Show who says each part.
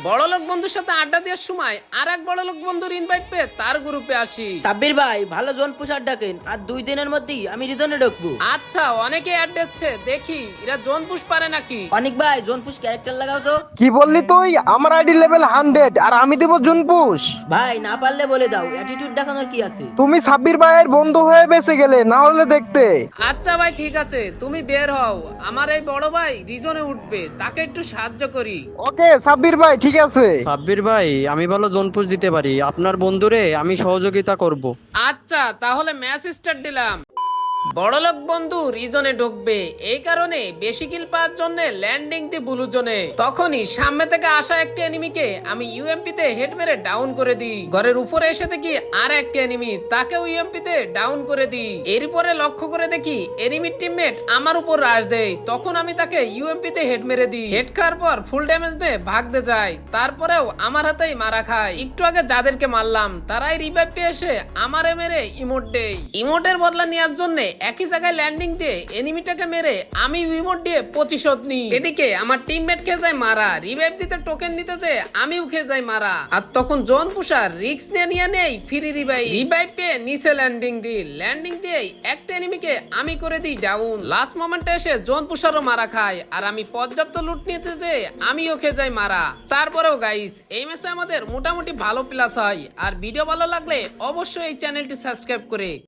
Speaker 1: বড়লোক বন্ধুর সাথে আড্ডা দেওয়ার সময় আর এক বড়লোক বন্ধুর ইনভাইট পেয়ে তার গ্রুপে আসি।
Speaker 2: সাব্বির ভাই ভালো জোন পুষার ডাকেন, আর 2 দিনের মধ্যেই আমি রিজনে ঢুকবো।
Speaker 1: আচ্ছা, অনেকে অ্যাড দিচ্ছে, দেখি এরা জোন পুশ পারে নাকি।
Speaker 2: অনেক ভাই জোন পুষ ক্যারেক্টার লাগাও তো।
Speaker 3: কি বললি তুই? আমার আইডি লেভেল 100 আর আমি দেব জুনপুশ।
Speaker 2: ভাই না পারলে বলে দাও, অ্যাটিটিউড দেখানোর কি আছে।
Speaker 3: তুমি সাব্বির ভাইয়ের বন্ধু হয়ে বেঁচে গেলে, না হলে দেখতে।
Speaker 1: আচ্ছা ভাই ঠিক আছে, তুমি বের হও, আমার এই বড় ভাই রিজনে উঠবে, তাকে একটু সাহায্য করি।
Speaker 3: ওকে সাব্বির ভাই, ঠিক আছে।
Speaker 4: সাব্বির ভাই, আমি ভালো জোনপুশ দিতে পারি, আপনার বন্ধুরে আমি সহযোগিতা করব।
Speaker 1: আচ্ছা তাহলে ম্যাচ স্টার্ট দিলাম। বড়লোক বন্ধু রিজনে ঢুকবে, এই কারণে বেশি কিল পাওয়ার জন্য ল্যান্ডিং দি ব্লু জোনে। তখনই সামনে থেকে আসা একটি এনিমিকে আমি ইউএমপি তে হেড মেরে ডাউন করে দিই। ঘরের উপরে এসে দেখি আর একটি এনিমি, তাকেও ইউএমপি তে ডাউন করে দিই। এরপরে লক্ষ্য করে দেখি এনিমির টিমমেট আমার উপর রাশ দেয়, তখন আমি তাকে ইউএমপি তে হেড মেরে দিই। হেড খাওয়ার পর ফুল ড্যামেজ দিয়ে ভাগতে যায়, তারপরেও আমার হাতেই মারা খায়। একটু আগে যাদেরকে মারলাম তারাই রিভাইভ পেয়ে এসে আমারে মেরে ইমোট দেয়। ইমোটের বদলা নেওয়ার জন্য একই জায়গায় ল্যান্ডিং দিয়ে এনিমিটাকে মেরে আমি ইমোট দিয়ে প্রতিশোধ নিই। এদিকে আমার টিমমেট খেয়ে যায় মারা, রিভাইভ দিতে টোকেন দিতে যে আমিও খেয়ে যাই মারা। আর তখন জোন পুষার রিস্ক নিয়ে নেই ফ্রি রিভাইভ পেয়ে নিচে ল্যান্ডিং দিয়ে একটা এনিমিকে আমি করে দিই ডাউন। লাস্ট মোমেন্টে এসে জোন পুষারও মারা খায়, আর আমি পর্যাপ্ত লুট নিতে যে আমিও খেয়ে যাই মারা। তারপরেও গাইস, এই ম্যাচে আমাদের মোটামুটি ভালো প্লাস হয়। আর ভিডিও ভালো লাগলে অবশ্যই এই চ্যানেলটি সাবস্ক্রাইব করে